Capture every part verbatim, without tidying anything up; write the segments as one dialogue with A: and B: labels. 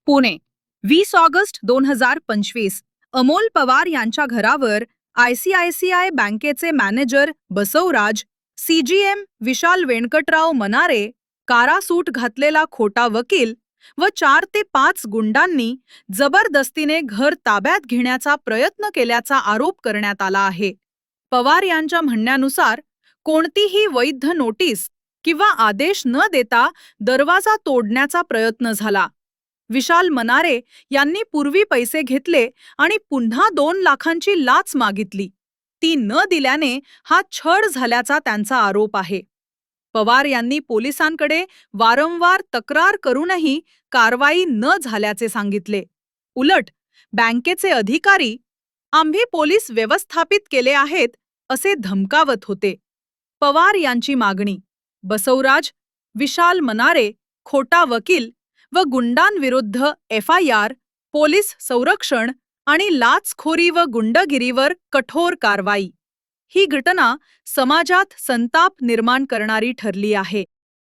A: पुणे वीस ऑगस्ट दोन हजार पंचवीस अमोल पवार यांच्या घरावर आयसीआयसीआय बँकेचे मॅनेजर बसवराज, सीजीएम विशाल वेंकटराव मनारे, कारासूट घातलेला खोटा वकील व चार ते पाच गुंडांनी जबरदस्तीने घर ताब्यात घेण्याचा प्रयत्न केल्याचा आरोप करण्यात आला आहे. पवार यांच्या म्हणण्यानुसार कोणतीही वैध नोटीस किंवा आदेश न देता दरवाजा तोडण्याचा प्रयत्न झाला. विशाल मनारे यांनी पूर्वी पैसे घेतले आणि पुन्हा दोन लाखांची लाच मागितली. ती न दिल्याने हा छळ झाल्याचा त्यांचा आरोप आहे. पवार यांनी पोलिसांकडे वारंवार तक्रार करूनही कारवाई न झाल्याचे सांगितले. उलट बँकेचे अधिकारी आम्ही पोलीस व्यवस्थापित केले आहेत असे धमकावत होते. पवार यांची मागणी: बसवराज, विशाल मनारे, खोटा वकील व गुंडांविरुद्ध एफ आय आर, पोलीस संरक्षण आणि लाचखोरी व गुंडगिरीवर कठोर कारवाई. ही घटना समाजात संताप निर्माण करणारी ठरली आहे.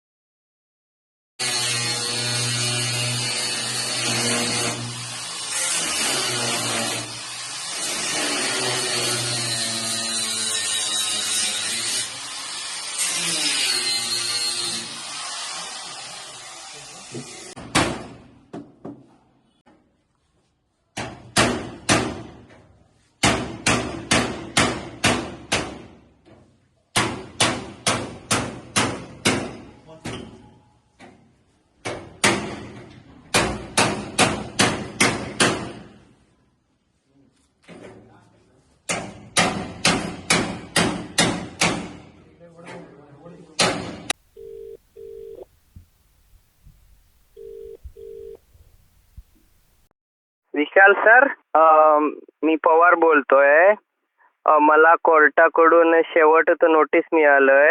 B: विशाल सर, मी पवार बोलतोय. मला कोर्टाकडून शेवटचं नोटीस मिळालंय.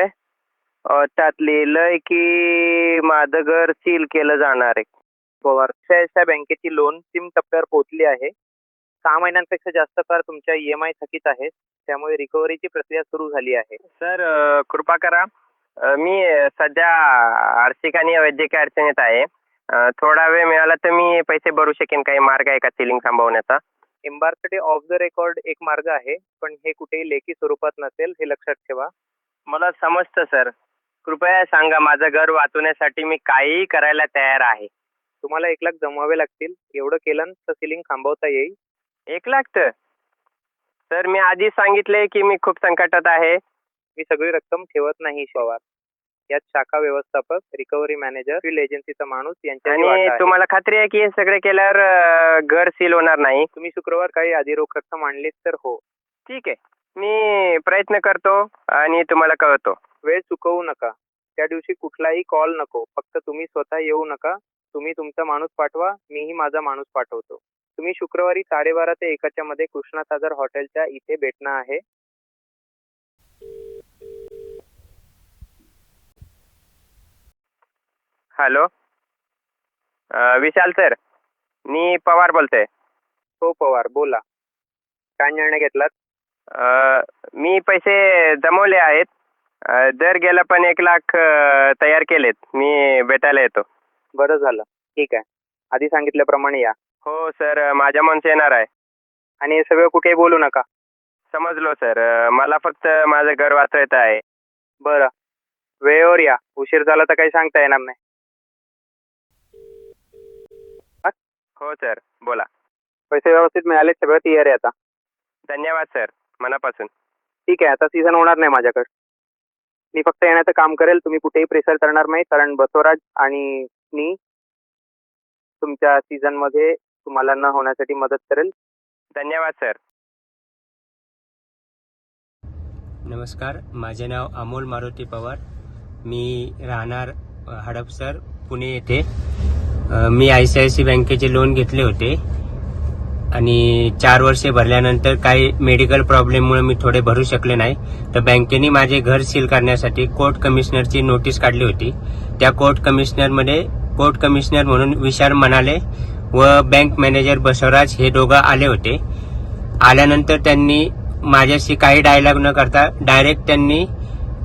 B: त्यात लिहिलंय की माझं घर सील केलं जाणार आहे.
C: पवार आयसीआयसीआय बँकेची लोन अंतिम टप्प्यावर पोहोचली आहे. सहा महिन्यांपेक्षा जास्त काळ तुमच्या ई एम आय थकीत आहेत, त्यामुळे रिकव्हरीची प्रक्रिया सुरू झाली आहे.
B: सर, कृपा करा. मी सध्या आर्थिक आणि वैद्यकीय अडचणीत आहे. थोडा वेळ मिळाला तर मी पैसे भरू शकेन. काही मार्ग आहे का सिलिंग थांबवण्याचा?
C: एम्बार्कसाठी ऑफ द रेकॉर्ड एक मार्ग आहे, पण हे कुठेही लेखी स्वरूपात नसेल, हे लक्षात ठेवा.
B: मला समजतं सर. कृपया सांगा, माझं घर वाचवण्यासाठी मी काहीही करायला तयार आहे.
C: तुम्हाला एक लाख जमवावे लागतील. एवढं केलं तर सिलिंग थांबवता येईल.
B: एक लाख तर सर, मी आधी सांगितले की मी खूप संकटात आहे.
C: मी सगळी रक्कम ठेवत नाही पवार. यात शाखा व्यवस्थापक, रिकव्हरी मॅनेजर, फील्ड एजन्सीचा माणूस यांच्या
B: आणि तुम्हाला खात्री आहे की हे सगळे केल्यावर घर सील होणार नाही?
C: तुम्ही शुक्रवार काही आधी रोख रक्कम आणलीत तर हो.
B: ठीक आहे, मी प्रयत्न करतो आणि तुम्हाला कळवतो.
C: वेळ चुकवू नका. त्या दिवशी कुठलाही कॉल नको. फक्त तुम्ही स्वतः येऊ नका. तुम्ही तुमचा माणूस पाठवा, मीही माझा माणूस पाठवतो. तुम्ही शुक्रवारी साडेबारा ते एकाच्या मध्ये कृष्णा सागर हॉटेलच्या इथे भेटणं आहे.
B: हॅलो, विशाल सर, मी पवार बोलतोय.
C: हो पवार, बोला. काय निर्णय घेतलात?
B: मी पैसे जमवले आहेत. दर गेला पण एक लाख तयार केलेत. मी भेटायला येतो.
C: बरं झालं, ठीक आहे. आधी सांगितल्याप्रमाणे या.
B: हो सर, माझ्या माणूस येणार आहे.
C: आणि हे सगळं कुठेही बोलू नका.
B: समजलो सर. मला फक्त माझं घर वाचवायचं आहे.
C: बरं, वेळेवर या. उशीर झाला तर काही सांगता येणार नाही.
B: हो सर, बोला.
C: पैसे व्यवस्थित मिळाले, सगळं तयार आहे आता.
B: धन्यवाद सर, मनापासून.
C: ठीक आहे, आता सीझन होणार नाही माझ्याकडे. मी फक्त येण्याचं काम करेल. तुम्ही कुठेही प्रेशर करणार नाही, कारण बसवराज आणि मी तुमच्या सीझन मध्ये तुम्हाला न होण्यासाठी मदत करेल.
B: धन्यवाद सर.
D: नमस्कार, माझे नाव अमोल मारुती पवार. मी राहणार हडपसर, पुणे येथे. मी I C I C I बँकेचे लोन घेतले होते आणि चार वर्षे भरल्यानंतर काही मेडिकल प्रॉब्लेममुळे मी थोडे भरू शकले नाही. तर बँकेने माझे घर सील करण्यासाठी कोर्ट कमिशनरची नोटीस काढली होती. त्या कोर्ट कमिशनरमध्ये कोर्ट कमिशनर म्हणून विशाल मनारे व बँक मॅनेजर बसवराज हे दोघं आले होते. आल्यानंतर त्यांनी माझ्याशी काही डायलॉग न करता डायरेक्ट त्यांनी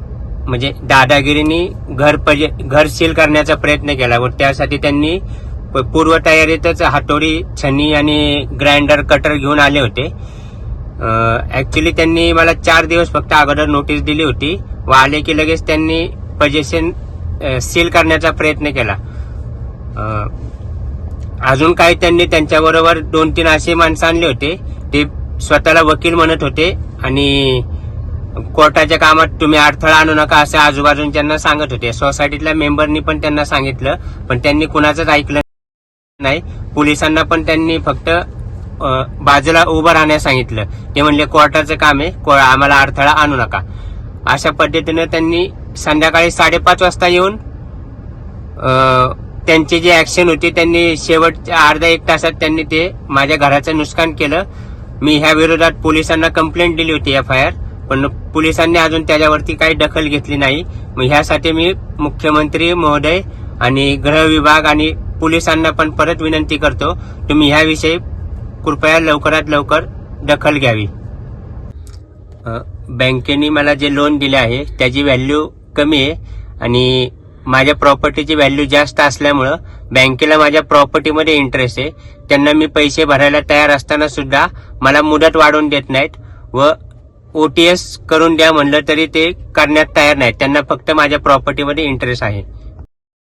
D: म्हणजे दादागिरीने घर घर सील करण्याचा प्रयत्न केला व त्यासाठी त्यांनी प- पूर्वतयारीतच हातोडी, छन्नी आणि ग्राइंडर, कटर घेऊन आले होते. ऍक्च्युली त्यांनी मला चार दिवस फक्त अगोदर नोटीस दिली होती व आले की लगेच त्यांनी पोझिशन सील करण्याचा प्रयत्न केला. अ, अजून काही त्यांनी त्यांच्याबरोबर दोन तीन असे माणसं आणले होते. ते स्वतःला वकील म्हणत होते आणि कोर्टाच्या कामात तुम्ही अडथळा आणू नका असं आजूबाजूंच्यांना सांगत होते. सोसायटीतल्या मेंबरनी पण त्यांना सांगितलं, पण त्यांनी कुणाचंच ऐकलं नाही. पोलिसांना पण त्यांनी फक्त अ, बाजूला उभं राहण्यास सांगितलं. ते म्हणले कोर्टाचं काम आहे, को- आम्हाला अडथळा आणू नका. अशा पद्धतीनं त्यांनी संध्याकाळी साडेपाच वाजता येऊन अ, त्यांची जी ऍक्शन होती त्यांनी शेवटच्या अर्ध्या एक तासात त्यांनी ते माझ्या घराचं नुकसान केलं. मी ह्या विरोधात पोलिसांना कंप्लेंट दिली होती, एफ आय आर, पण पोलिसांनी अजून त्याच्यावरती काही दखल घेतली नाही. मग ह्यासाठी मी मुख्यमंत्री महोदय आणि गृह विभाग आणि पोलिसांना पण परत विनंती करतो, तुम्ही ह्याविषयी कृपया लवकरात लवकर दखल घ्यावी. अ, बँकेने मला जे लोन दिले आहे त्याची व्हॅल्यू कमी आहे आणि माझ्या प्रॉपर्टीची व्हॅल्यू जास्त असल्यामुळं बँकेला माझ्या प्रॉपर्टीमध्ये इंटरेस्ट आहे. त्यांना मी पैसे भरायला तयार असताना सुद्धा मला मुदत वाढवून देत नाहीत व ओटीएस करून द्या म्हणलं तरी ते करण्यात तयार नाहीत. त्यांना फक्त माझ्या प्रॉपर्टीमध्ये इंटरेस्ट आहे.